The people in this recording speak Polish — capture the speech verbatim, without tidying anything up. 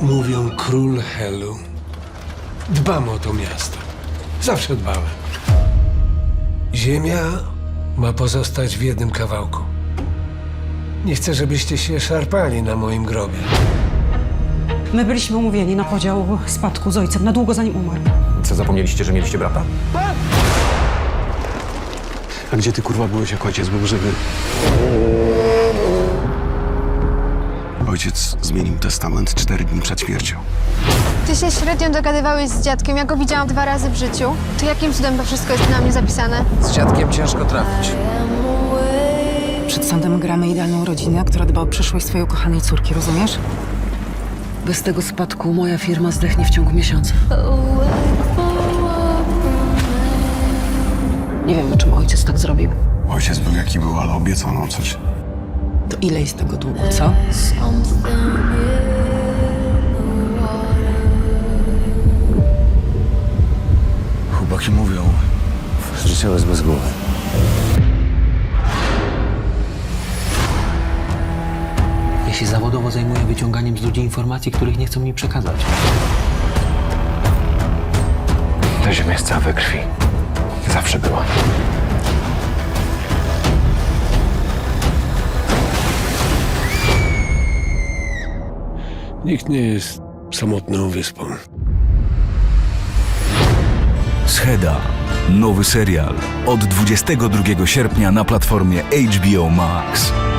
Mówią król Helu. Dbam o to miasto. Zawsze dbałem. Ziemia ma pozostać w jednym kawałku. Nie chcę, żebyście się szarpali na moim grobie. My byliśmy umówieni na podział spadku z ojcem na długo zanim umarł. Co, zapomnieliście, że mieliście brata? A gdzie ty, kurwa, byłeś, jak ojciec był żywy? Ojciec zmienił testament cztery dni przed śmiercią. Ty się średnio dogadywałeś z dziadkiem, ja go widziałam dwa razy w życiu. To jakim cudem to wszystko jest na mnie zapisane? Z dziadkiem ciężko trafić. Przed sądem gramy idealną rodzinę, która dba o przyszłość swojej ukochanej córki, rozumiesz? Bez tego spadku moja firma zdechnie w ciągu miesiąca. Nie wiem, czym ojciec tak zrobił. Ojciec był jaki był, ale obiecał nam coś. To ile jest tego długu, co? Chłopaki mówią, że ciało jest bez głowy. Ja się zawodowo zajmuję wyciąganiem z ludzi informacji, których nie chcą mi przekazać. Ta ziemia jest cała we krwi. Zawsze była. Nikt nie jest samotną wyspą. Scheda. Nowy serial od dwudziestego drugiego sierpnia na platformie H B O Max.